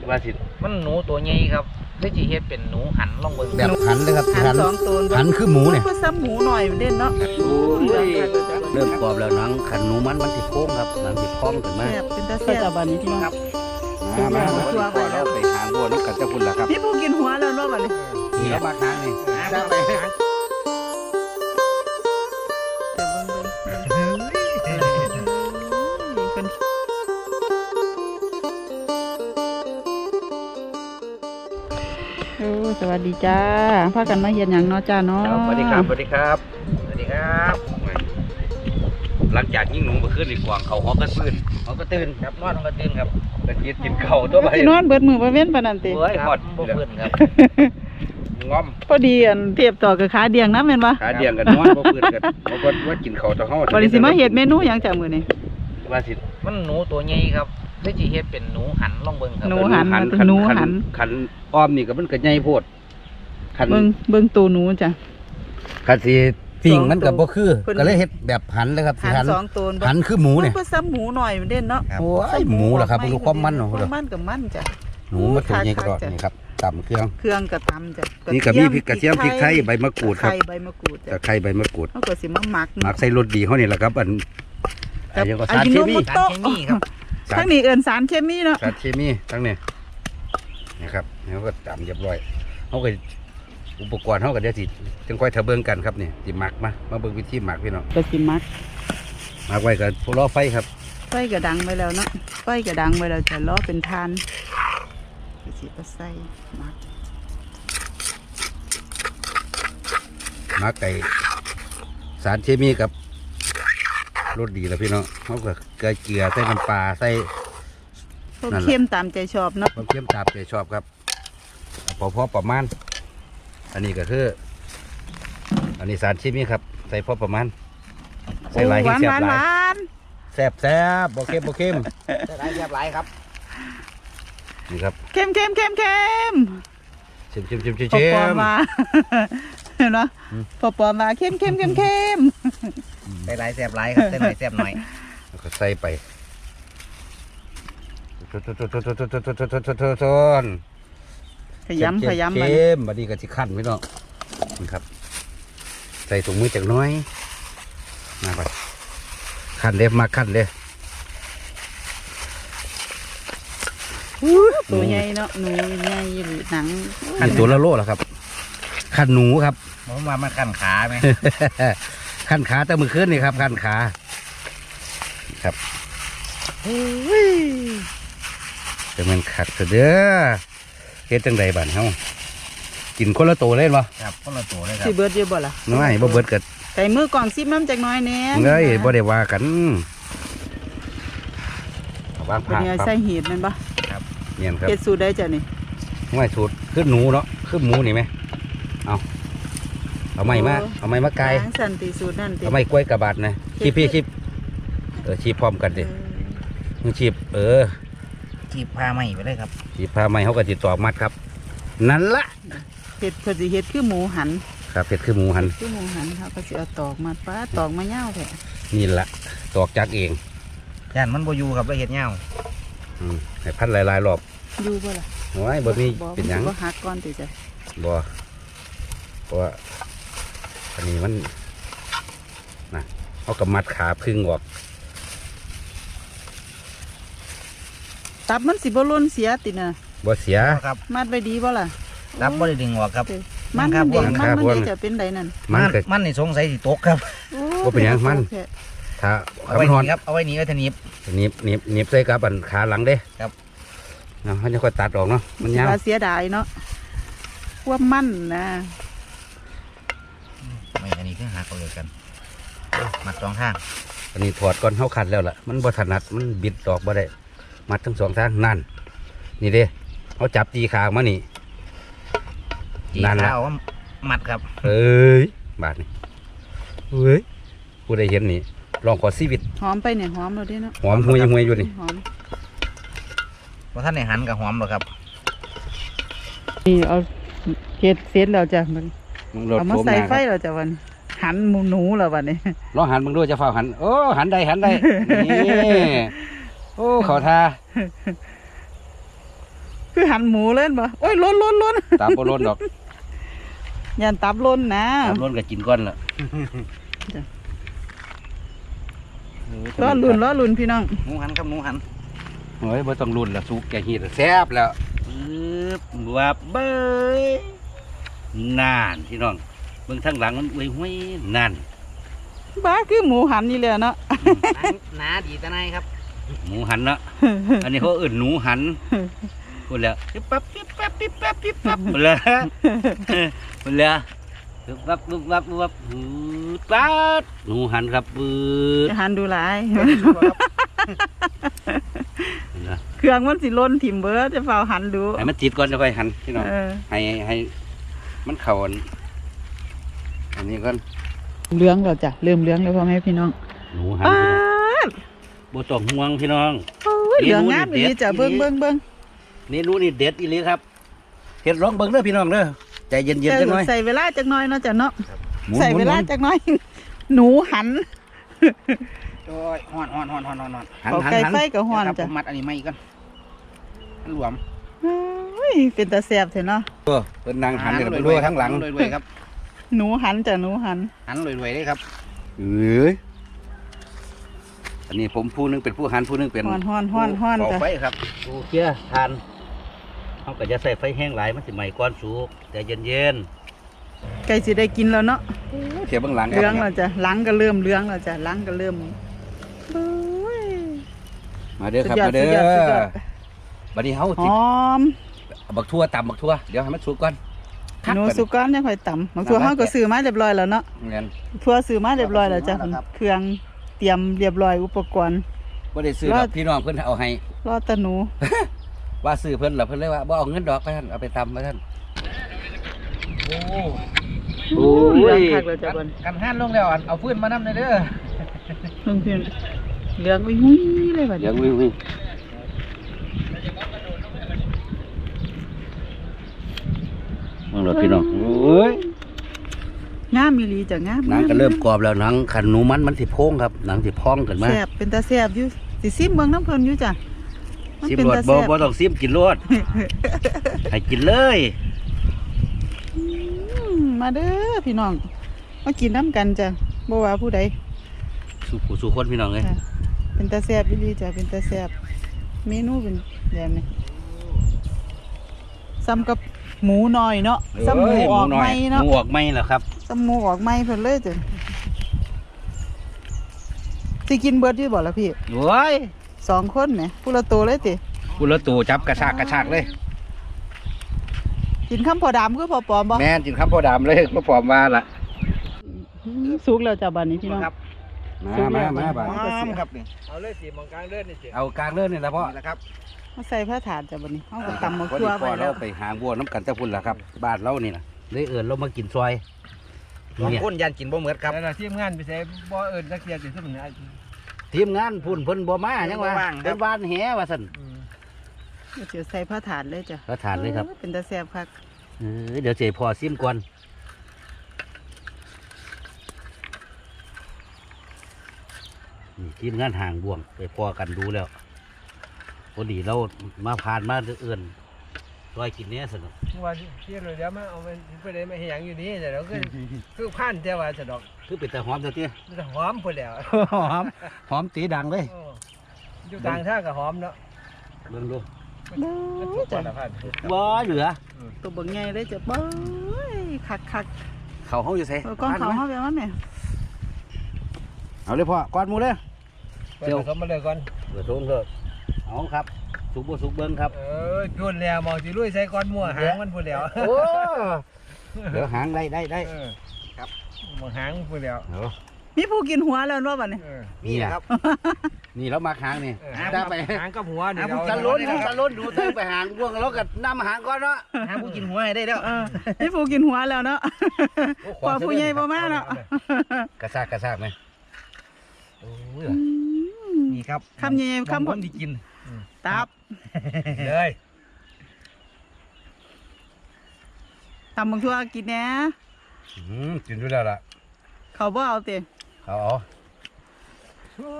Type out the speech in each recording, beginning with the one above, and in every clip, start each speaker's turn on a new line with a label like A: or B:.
A: ว่าสิ
B: มันหนูตัวใหญ่ครับได้จีเฮ็ดเป็นหนูหันลองเบิ่ง
A: แบบหันเลยครับ
C: หันสองตัว
A: หันคือหมูเนี่ย
C: ก็ซ้ำหมูหน่อยเด่นเนาะ
A: เริ่มกรอบแล้วหนังขันหนูมันสิโค้งครับหนังสิพร้อมขึ้นมา
C: เป็นตาแซ่บบัดนี้พี่น้องครับ
A: มาเราไปหาบัวน้องกันเจ้าคุณล่ะครับ
C: พี่ผู้กินหัวแล้วเนาะบัดนี้
A: นี่แล้วมาหางนี่จะไป
C: สวัสดีจ้าพากันมาเห็นอย่างเนาะจ้าเนาะ
A: สวัสดีครับสวัสดีครับสวัสดีครับหลังจากยิ่งหนูมาขึ้นอีกกวางเขาหอกระปืนเขาก็ตื่นครับนอนก็ตื่นครับกระเจี๊ยบกินเข่าตัวไป
C: นอนเบิดมือมาเว้นปานนั้นติ
A: เฮ้ยหอดบ่เพิ่นครับงอม
C: พอดีอันเทียบต่อกับขาเดียงนะแม่นบ่
A: ขาเดียงกันนอนบ่เพิ่นกันบ่ว่ากินเข่าต่อเฮา
C: บ่ได้สิมาเฮ็ดเมนูหยังจ้ามื้อนี้
A: ว่าสิ
B: มันหนูตัวใหญ่ครับได้จีเฮ็ดเป็นหนูหันลองเบิ่งครับ
C: หนูหัน
A: ขันอ้อมนี่ก็มันก็ใหญ่โพด
C: ขันเบิ่งตัวหนูจ้ะ
A: ขันสิปิ้งมันก็บ่คือก็เลยเฮ็ดแบบหันเลยครับสิหัน
C: 2ตัว
A: หันคือหมูเนี่ย
C: ก็ซ้ำหมูหน่อยเด่นเนาะ
A: โอ้ยหมูล่ะครับบ่รู้ความมันเนาะ
C: มันกับมันจ้ะ
A: หนูมาตัวใหญ่กระดอกนี่ครับตำเครื่อง
C: ก็ตำจ้ะ
A: นี่ก็มีพริกกระเทียมพริกไทยใบมะกรูดครับ
C: ใบมะกรูด
A: ตะไคร้ใบมะกรูด
C: เฮาก็สิมาหมัก
A: ใส่รสดีเฮานี่แหละครับอันยังก็สารเคมี
C: ครับทั้งนี้เอิ้นสารเคมีเนาะ
A: สารเคมีทั้งนี้นะครับแล้วก็ตำเรียบร้อยเฮาก็อุปกรณ์เฮาก็เดี๋ยวสิจังค่อยทะเบิ่งกันครับนี่สิหมักมาเบิ่งวิธีหมักพี่น้อง
C: ก็สิหมัก
A: ไว้กับล้อไฟครับ
C: ไฟก็ดังไปแล้วเนาะไฟก็ดังไปแล้วจะล้อเป็นทานสิก็ใส่ห
A: มักไก่สารเคมีกับรสดีแล้วพี่น้องเขาก็เกลือใส่น้ำปลาใส่
C: เค็มตามใจชอบเนาะ
A: เค็มตามใจชอบครับพอประมาณอันนี้ก็คืออันนี้สารเคมีครับใส่พอประมาณใส่หลายให้แซ่บหลายแซ่บบ่เค็มใส่หลายแซ่บหลายครับนี่ครับ
C: เค็มชิมปอมาเห็นไหมปอมาเค็ม
B: ใส่หลายแซ่บหลายครับใส่หน่อยแซ่บหน่อย
A: แล้วก็ใส่ไป
C: ขยำ
A: บัดนี้ก็สิคั่นพี่น้องนี่ครับใส่ถุงมือจักน้อยมาไปคั่นเด้มาคั่นเด้
C: ตัวใหญ่เนาะหนูใหญ่หนัง
A: คั่นตัวละโลแล้วครับคั่นหนูครับ
B: ผมว่ามันคั่นขาไหม
A: คั่นขาแต่มือขึ้นนี่ครับคั่นขาครับจะมันขัดเด้อเฮ็ดจังใดบ้านเฮากินคนละโตเลยบ่
B: ครับคนละโตเลยครับ
C: สิเบิดเยอะบ่ล่ะ
A: น้อยบ่เบิดเกิด
C: ใส่มือกล่องซิบน้ำจากน้อยแน่
A: เอ้ยบ่ได้ว่ากันวางผ้า
C: ใส่เห็ดมันบ่
A: ครับเนียนครับ
C: เฮ็ดสูตรได้จ้ะนี่
A: ไม่สูตรคือหนูเนาะคือหมูนี่ไหมเอาไม้มาไกล
C: สันติสูตรนั่น
A: เอาไม้กล้วยกระบาดนะชีพพร้อมกันดิมึงชีพ
B: ชีพผ้าไหมไปเลยครับ
A: ชีพผ้าไหมเขาก็จิตตอกมัดครับนั่นละ
C: เห็ดคือเห็ดคือหมูหัน
A: ครับเห็ดคือหมูหัน
C: เขาก็จะเอาตอกมาป้าตอกมาเง่าแท้
A: นี่ละตอกจากเอง
B: ย่านมันบ่อยู่ครับแล้วเห็ดเง่า
A: ให้พันหลายรอบ
C: อยู่บ่ล่ะ
A: โอ้ยบ่มีเป็นหยัง
C: บ่หักก้อนติจ้ะ
A: บ่เพราะว่าอันนี้มันนะเอากับมัดขาพึ่งออก
C: ตับมันสิบ่ล้นเสียตินะ
A: บ่เสีย
B: ครับ
C: มัดไปดีบ่ล่ะ
B: ตับบ่ได้ดึงออกครับ
C: มันจะเป็นไดนั่น
B: มันนี่สงสัยสิตกครับ
A: บ่เป็นหยังมันถ้า
B: เอาไว้นี่ครับเอาไว้นี่ไว้ทนิบ
A: ใส่กับอันขาหลังเด้ครับเขาจะค่อยตัดออกเนาะมันยาว
C: เสียดายเนาะว่ามันนะ
B: ไม่อันนี้คือหักเลยกันมัดสองทาง
A: อันนี้ถอดก่อนเขาขัดแล้วล่ะมันบ่ถนัดมันบิดออกบ่ได้มัดทั้งสองทางนั่นนี่เด้เขาจับจีขามานี่
B: นั่นแหละมัดครับ
A: เอ้ยบาดนี่เฮ้ยผู้ใดเห็นนี่ลองขอชีวิต
C: หอมไปเนี่ยหอมเลยดิเนาะ
A: หอมห่วยอยู่นี่
B: เพราะท่านในหันกับหอมหรอครับ
C: นี่เอาเฮ็ดเสร็จแล้วจ้ะมันเอามาใส่ไฟแล้วจ้ะวันหันหนูแล้ววันนี้
A: ลองหันมึงด้วยจะเฝ้าหันโอ้หันได้นี่โอ้เขาทา
C: คืคือหันหมูเล่นบ่โอ้ยล้น
A: ตามบ่ล้นดอก
C: ยันตับล้นนะ
A: ตามล้นก็กินก่อนล่ะ
C: ล้อลุ่นพี่น้อง
B: หมูหันครับหมูหัน
A: เฮ้ยบ่ต้องลุ้นละสุกแกฮีดแซ่บแล้ววับเบ้ยนานพี่น้องเบิ่งทางหลังมันอุ้ยห้วยนาน
C: บ้าคือหมูหันนี่เลยเนาะ
B: หนาดีตะไนครับ
A: หมูหันเนาะ อันนี้เขาเอื่นหนูหันพูดแล้วปิ๊บปั๊บปิ๊บปั๊บปิ๊บปั๊บปิ๊บปั๊บพูดแล้วพูดแล้วปิ๊บปั๊บปิ๊บปั๊บปิ๊บปั๊บปั๊บหนูหันครับปืด
C: หันดูหลาย เครื่องมันสิล้นถิ่มเบิร์ดจะเฝ้าหันดู
A: ให้มันติดก่อนจะไปหันพี่น้อง ให้มันเข่าอันนี้ก่อน
C: เลี้ยงเราจ้ะเริ่มเลี้ยงแล้วพ่อแม่พี่น้อง
A: หนูหัน
C: ป้า
A: บ่ต้องห่วงพี่น้อง
C: เหลืองงามอีหลีจ้ะเบิ้ง
A: นี่นูนี่เด็ดอีหลีครับเฮ็ดร้องเบิ้งเด้อพี่น้องเด้อใจเย็นๆจังหน่อย
C: ใส่เวลาจักหน่อยเนาะจ้ะเนาะ
A: หมุน
C: ใส่เวลาจักหน่อย หนูหัน
B: โอ้ยฮ้อน
A: หัน
C: เอาไก่ไฟกับฮ้อน
B: ครับ
C: จ้ะ
B: ผมมัดอันนี้ไม่ก่อนมันหลวม
C: เฮ้ยเป็นตาแซ่บเถอะเนาะ
A: เพิ่นนั่งหันเดี๋ยวไปดูทั้งหลัง
B: รวยๆครับ
C: หนูหันจ้ะหนูหัน
B: หันรวยๆได้ครับ
A: เอ้ยอันนี้ผมผู้หนึงเป็นผู้หันผู้หนึงเป็น
C: ฮ้อน
A: ก่อ
C: จ้ะ
A: ไฟครับโอเคทานเขาก็จะใส่ไฟแห้งหลายมันสิไหม้ก้อนสุกแต่เย็น
C: ไก่สิได้กินแล้วเนาะ
A: ๆเทียบเบื้องหลังค
C: เลี้ยง
A: รั
C: แล้วจ้ะหลังก็เริ่มเลี้ยงแล้วจ้ะหลังก็เริ่มโอ้ย
A: มาเด้อครับ
C: สุ
A: มาเด้
C: ดยอด
A: อบัดนี้เฮา
C: ห
A: สิ
C: อม
A: บักทั่วตำบักทั่วเดี๋ยวให้มันสุกก่อน
C: หนูสุก้อนยังค่อยต่ำบางตัวเขาก็ซื้อมาเรียบร้อยแล้วเนาะ
A: เงี้ย
C: ทั่วซื้อมาเรียบร้อยแล้วจ้ะเครื่องเตรียมเรียบร้อยอุปกรณ์
A: บ่ได้ซื้อดอกพี่น้องเพิ่นเอาให้
C: รอแตะหนู
A: ว่าซื้อเพิ่นล่ะเพิ่นเลยว่าบ่เอาเงินดอกไปท่านเอาไปตำไปท่าน
B: โอ้
C: เหลืองคักแล้วจ้ะบน
B: กันหันลงแล้วเอาฟืนมานำเลยเด้อ
C: ลุงเพียนเหลืองไปหุ้ยเลยบัด
A: เดี๋
C: นี้
A: ยววิ่งมึงรถพี่น้องโอ้ย
C: งามมีหลีจ้ะงาม
A: หนังก็เริ่มกรอบแล้วหนังขันหนูมันสิโพงครับหนังสิพองขึ้นมา
C: แซ่บเป็นตาแซ่บอยู่สิซิมเบิ่งน้ำเพิ่นอยู่จ้ะมัน
A: ซิม
C: เป็น
A: รส
C: ตา
A: บ่
C: แซ่บ
A: บ่ต้องซิมกินรส ให้กินเลย
C: มาเด้อพี่น้องมากินน้ำกันจ้ะบ่ว่าผู้ใด
A: สู่ผู้สู่คนพี่น้องเลย
C: จ้ะเป็นตาแซ่บอีหลีจ้ะเป็นตาแซ่บเมนูเป็นแบบนี้ซ้ำกับหมูน้อยเนาะซ้ำหมูออกไหมเนาะ
A: หมูออกไหมเหรอครับ
C: ซ้ำหมูออกไหมเพิ่นเลยจ้ะสิกินเบิดอยู่บ่ล่ะพี่
A: โอ้ย
C: 2 คนแหมผู้ละโตวเลยติ
A: กูละตูจับกระชากเลย
C: กินข้าวพอดำคือพอปลอมบ่
A: แม่นกินข้าวโพดำเลยก็ปลอมว่าล่ะ
C: สุกแล้วจ้ะบัดนี้พี่น้อง
B: ครับ
A: มาบ่า
B: หอมครับนี่เอาเลยสิมองกลางเลื่อนนี่สิ
A: เอากลางเลื่อนนี่ละพ่อ
B: นี่แหละครับ
C: มาใส่ผ้าถาดจ้ะบัดนี้เฮาก็ตำมา
A: พอ
C: คั่
A: ดี
C: ว
A: พ่
C: ไว้
A: อ
C: แล้
A: เรา
C: ว
A: ไปหาวัวน้ำกันตะพุ่นล่ะครับบ้านเรานี่นะเลยเอิญเรามากินซอย
B: บาง
A: เนี่ย
B: คนยันกินบ่เหมือนครับ
D: แล้วเราทีมงานไปใส่บ่เอิญนักเรียนสิซึ่งมัน
A: ทีมงานพุ่นเพิ่นบ่มายังว่า
B: บ่ว่างครับ
A: เพิ่นบ้านแหว่าซั่น
C: เดี๋ยวใส่ผ้าถาดเลยจ้ะ
A: ก็ทานเลยครับ
C: เป็นตาแซ่บคัก
A: เดี๋ยวเจพอซิมก่อนนี่ทีมงานห่างบ่วงไปพอกันดูแล้วพอดีเรามาผ่านมาเอื่นซอยกินเนี้ยสนุก
D: ว่าเที่ยวเลยเดี๋ยวมาเอาไปได้มาเหียงอยู่นี่แต่เราคือพันแต่ว่าสะดอก
A: คือเป็นแต่หอมเท่าที่
D: มันจะหอมพุ่นแล้ว
A: หอมตีดังเลย
D: อยู่กลางทางก็หอมเนาะ
A: เบิ่งดู
D: มันถูกกว่าละพัน
A: บ่เหลือ
C: ตัวเบิ่งใหญ่เลยจ้ะเบ้ยคัก
A: เขาเขาอยู่ใส่
C: ก้อนเขาเฮาแบบว่าแม่
A: เอาเลยพ่อก้อนหมูเลย
D: เดี๋ยวเขามาเลยก่อน
A: เปิดทงเถอะเอาครับสุกบ่สุกเบิ่งครับ
D: จุนแล้วมองสิลุยใส่ก้อนมั่วหางมันพุ่นแล้ว
A: โอ้เดี๋ยวหางได้
D: ครับมองหางพุ่นแล้ว
A: เอา
C: มีผู้กินหัวแล้วเนาะบัดนี้
A: นี่นะครับ นี่แล้วมาหางนี่
D: ได้ไปหางกับหัวนี่เรา
A: ตะล้นดูเธอไปหางบ่วงแล้วก็นำหางก่อนเนาะ
B: หาผู้กินหัวให้ได้แล้ว
C: มีผู้กินหัวแล้วเนาะพอผู้ใหญ่บ่มาเนาะ
A: กระซากไหมโอ้ย
B: นี่ครับ
C: คำใหญ่ๆคำ
B: คนที่กิน
C: ตับ
D: เลย
C: ตำบักทั่วกินแหน่
A: กินด้วยแล้วล่ะ
C: เขาบ่เอาติ
A: เอา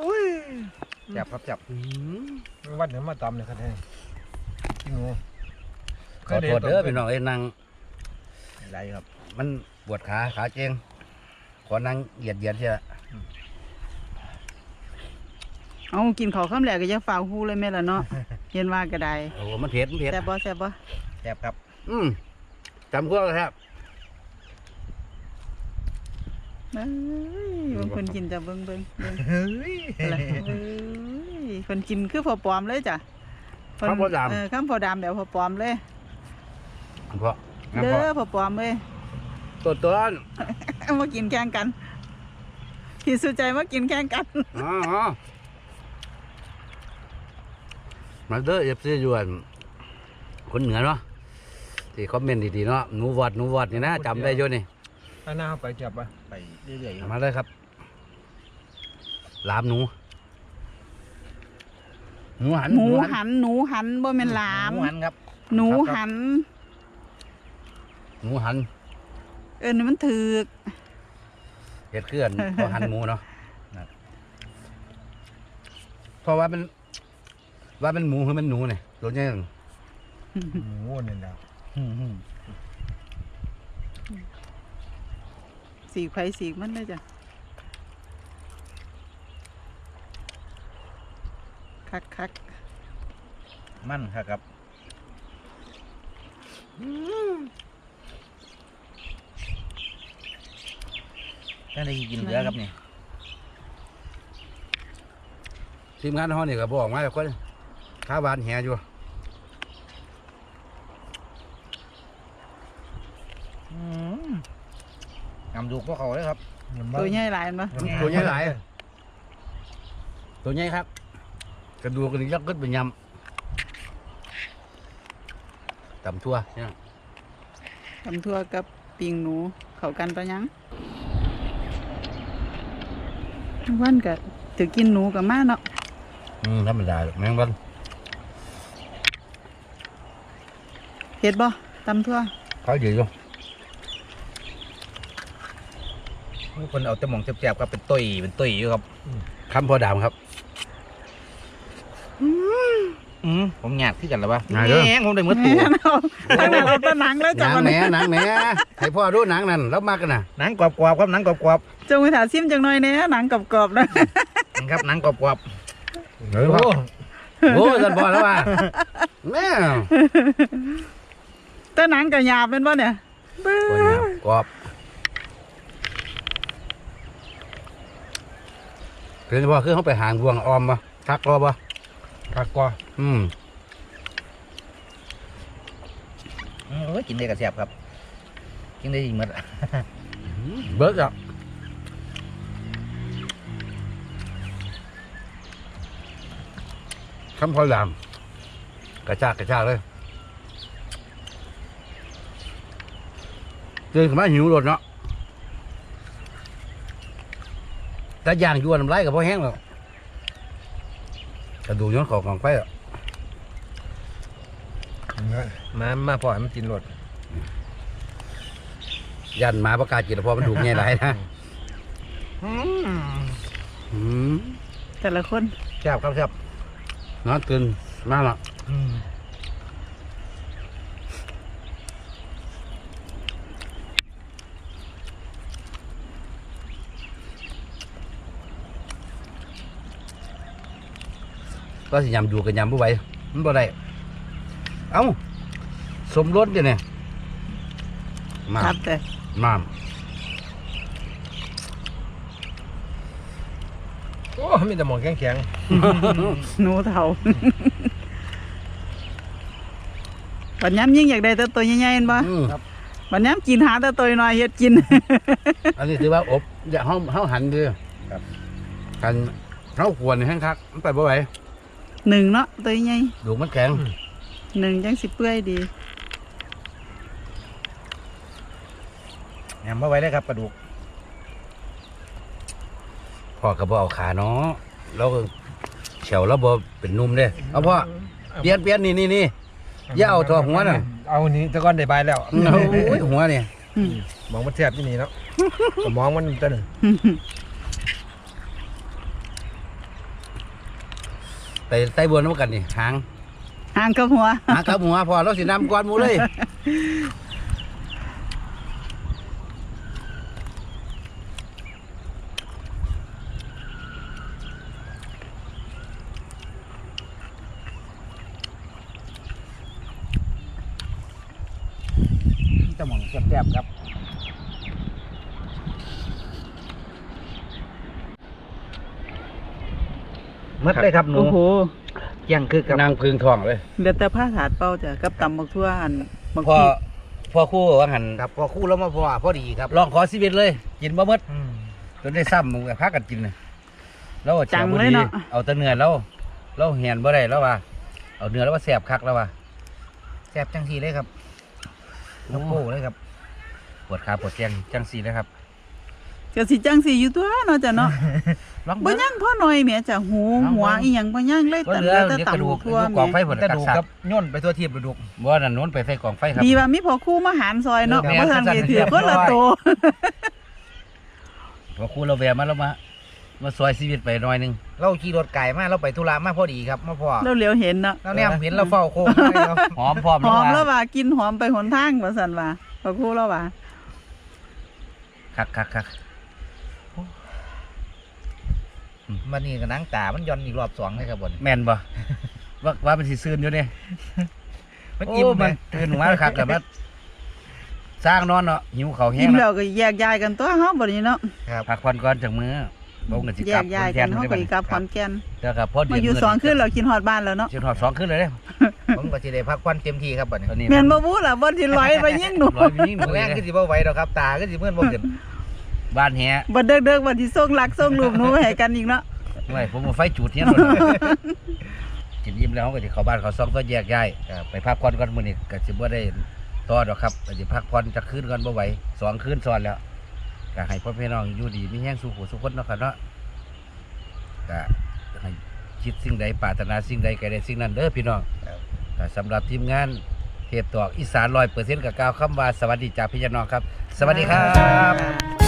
B: จับครับจับ
D: วัดเดี๋ยวมาตำเลยครับท่านกินงู
A: ขอโทษเด้อพี่น้องเอ้ยนั่ง
B: หลายครับ
A: มันปวดขาเจงขอนั่งเหยียดเชียว
C: เอากินข้าวค่ำแหลกก็จะฝ่าหูเลยแม่ละเนาะ เย็นว่าก็ได้
A: โอ้มันเผ็ด
C: แซ่บบ่
B: แซ่บครับ
A: จำพวกครับ
C: เอ้ยบางคนกินจะเบิ่งเบิ่ง
B: เฮ้ย
C: อะไรเอ้ยคนกินคือพอปลอมเลยจ้ะเพิ่น
A: ข้าวโพดดำ
C: ข้าวโพดดำแบบพอปลอมเลย
A: เพราะ
C: เด้อพอปลอมเลย
A: ตัวต้น
C: มากินแข่งกันพี่สุใจมากินแข่งกัน
A: อ๋อมาเด้อเอฟซียวนคนเหนือเนาะที่คอมเมนต์ดีๆเนาะหนูวอดนี่นะจำได้อยู่นี่
D: อันหน้าไปจับป่ะ
B: ไปเรื่อยๆครับ
A: มาเลยครับลามหนูหัน
C: หนูหันบ่แม่นหลาม
B: หมูหันครับ
C: หนูหัน
A: หนูหัน
C: นี่มันถือก
A: เห็ดเคลื่อน พอหันหมูเนาะเพราะว่ามันหมูคือมันหนูเนี่ยตัวนี้
D: หมูนี่แหละ
C: สีไข่สีมันเลยจ้ะคัก
B: มันครับก็ได้กินเหลือครับนี่
A: ทีมงานเขาเนี่ยก็บอกมาแล้วก็ข้าวหวานแหอยู่
B: งำดูพวกเขาเลยครับ
C: ตัวใหญ่หลายมั้ย
A: ตัวใหญ่หลายตัวใหญ่ครับกระดูกกันยักษ์ขึ้นเป็นยำตำทั่วเนี่ย
C: ทำทั่วกับปิงหนูเข้ากันปะยังวันก็ถือกินหนูกับมาเนาะ
A: ธรรมดาแมงวัน
C: เฮ็ดบ่ตำทั่ว
A: เขาอยู่อยู่
B: คนเอาแต่หมองแซ่บๆครับเป็นตุยอยู่ครับ
A: คำพอดามครับ
B: ผมหยาดขึ้นกันแล้วปะ
A: หยาดเด้อ
B: แหงผมได้มือ
C: แห
B: ตัว
C: มเอาตั้งแต่เราตะหนังแล้ว
A: ห
C: จ้ะ
A: นัง
C: วัน
A: แหน
C: นี้
A: หนังแหนให้พ่อดูหนังนั่นแล้วมากกันนะ
B: หนังกรอบๆครับหนังกรอบ
C: จงไปถาซิมจังหน่อยแหน่หนังกรอบๆนะ
B: ๆครับหนังกรอบ
A: เฮ้ยพ่อโอ้สันพอแล้วว่ะแม่
C: แต่หนังก็หยาบเป็นบ่เนี่ยเบ้
A: ตัว
C: อ
A: เนี้ยกรอบคือพ่อคือเขาไปหางบวงออมปะทักรอปะ
D: ผักกว่า
B: โอ้ยกินได้กับแซ่บครับกินได้ดีหมด
A: เบิร์กอ่ะคำพอดามกระชากเลยเดินขึ้นมาหิวรถเนาะแต่ย่างยวนน้ำลายกับพ่อแห้งแล้วกระดูกย้อนของไปอ่ะ
D: มาพอให้มันกินรส
A: ยันหมาประกาศกินแล้วพอมันดูง่ายหลายนะ
C: แต่ละคน
B: แซ่บครับแซ่บ
A: นอนตื่นมาแล้วก็สิยำดูกันยำบ่ไหวมันบ่ได้เอ้าสมรสเนี่ยมา
C: ครับแต่
A: มาม
D: โอ้มีแต่หมองแข็ง
C: หนูเฒ่าบัดย้ำยิ่งอยากได้แต่ตัวใหญ่ๆเห็นบ่ บัดย้ำกินหาแต่ตัวน้อยเฮ็ดกิน
A: อันนี้ถือว่าอบอย่าเฮาหันเด้อกันเฮาควรแห้งคักมันไปบ่ไหว
C: หนึ่งเนาะตัวใหญ่
A: ดูมันแข็ง
C: หนึ่งจังสิเปื่อยดี
B: แหนมมาไว้ได้ครับกระดูก
A: พ่อก็บ่เอาขาเนาะแล้วก็เฉวแล้วบ่เป็นนุ่มเด้เอาพ่อเปลี่ยนนี่อย่าเอาตัวหัวน่ะ
D: เอานี้ตะก้อนได้ใบแล้ว
A: โอ้ยหัวนี่
D: มองมันแซ่บที่นี่เนาะมองมันเต้น
A: ไปไต้บวนน้ำกันนี่หาง
C: หางกับหัว
A: หากับหัวพอเราสินำก่อนหมูเลยตะหม่องแซ่บๆครับหมดเลยครับหนู
C: โอ้โห
B: เกี่ยงคือกับ
A: นางพึงทองเลย
C: เดี๋ยวแต่ผ้าถาดเป้าจ้ะกับตำบักทั่วอันบาง
A: พอ
C: ที
A: พอคู่ว่าหัน
B: ครับพอคู่แล้วมาพอดีครับ
A: ลองขอชีวิตเลย กินบ่หมด
B: อืม
A: จนได้ซ้ำมึงพากันกินเลยแล้ว
C: จัง
A: บ่
C: เลย
A: ดี
C: เนาะ
A: เอาแต่เนื้อเราเหียนบ่ได้แล้วว่าเอาเนื้อแล้วว่าแสบคักแล้วว่า
B: แซ่บจังสีเลยครับน้ำโป้เลยครับ
A: ปวดขาปวดแขนจังสีเลยครับ
C: ก็สิจังสิอยู่ตัวเนาะจ้ะเนาะ
B: ลอง
C: บ่
B: เบิ่ง
C: ยังพ่อหน่อยแหม่จ้ะหูหัวอีหยังบ่ยังเลย
A: ก็
C: แต่
A: เหลือ
C: แต่
A: เดี๋ยวกระ
C: ตำ
A: ดู
C: บั
A: ก
C: กทั่ว
A: กองไฟ
C: แหม่
A: ผล
B: กระ
A: กัด
B: ดูก
A: สั
B: ครับ บย่นไปตัวทีบกระดูก
A: บ่นั่นโน้นไปใส่กองไฟครับ
C: ดีว่ามีพอคู่มาหารซอยเนาะ
A: แม่น
C: บ่ทันได้ถือ
A: เรียบร้
C: ค
A: อย
C: นละโต
A: พอคู่เราแวะมาแล้วมาซอยชีวิตไปหน่อยหนึง
B: เราขี่รถไก่มาเราไปธุระมาพอดีครับมาพอ
C: เราเหลียวเห็นเนาะ
B: เราเนี่ยเห็นเราเฝ้าโค้งให้เรา
A: หอมพร้อม
C: หอม
A: แล้
C: แล้ว ว
A: ว่า
C: ว่ากินหอมไปหนทางว่าซั่นว่าพอคู่แล้วว่า
A: คัก
B: มันนี่กับนังตามันย้อนอีกรอบสองเลยครับบน
A: แม่นบ่ว่ามันสิซื่นอยู่เนี่ย
B: มัน
A: โอ้
B: อิ่ม
A: มั
B: มัน น
A: ตื่นมาคักแต่ว่าสร้างนอนเนาะหิวข้าวแห้
C: อิ่
A: ง
C: ม
A: แล้
C: แล้ว วก็แยกย้ายกันตัวเฮาบัดนี้เนาะ
B: ครับ
A: พักผ่อนก่อนจากมื้อลงกันสิ
C: แย
A: กลับ
C: กย้าย
A: ข
C: กัน
A: แ
C: เฮาก็อีกกลับขอนแก่น
A: แล้วก็พอเดื
C: มาอยู่สองคืนเรากินฮอดบ้านแล้วเนาะ
A: เชียงหอบ2คืนเลยเด้อ
B: ผมก็จะได้พักผ่อนเต็มที่ครับบัดนี้
A: ตอนนี้
C: แม่นบ่บู้ล่ะบ่ที่ร้อยไปยิงหนู
A: ร้อยวิ่งหนู
B: แรง
A: เลย
B: ก็สิบ่ไหวดอกครับตาก็สิเมื่อนบ่ขึ้น
A: บ้านแฮะ
C: บ่เด้อๆบ่ที่ส่งรักส่งรูปหนูให้กันอีกเนาะ
A: ไม่ผมเอาไฟจุดเฮียนบ่กินยิ้มแล้วเขาก็สิเข้าบ้านเขาซ่องก็แยกย้ายไปพักผ่อนก่อนมื้อนี้ก็สิบ่ได้ต่อดอกครับก็สิพักผ่อนจักคืนก่อนบ่ไหว2คืนซ้อนแล้วก็ให้พ่อพี่น้องอยู่ดีมีแรงสู้ผู้สุขคนเนาะครับเนาะก็ให้คิดสิ่งใดปรารถนาสิ่งใดก็ได้สิ่งนั้นเด้อพี่น้องก็สำหรับทีมงานเทปตอกอีสาน100%กับกล่าวคำว่าสวัสดีจากพี่น้องครับ สวัสดีครับ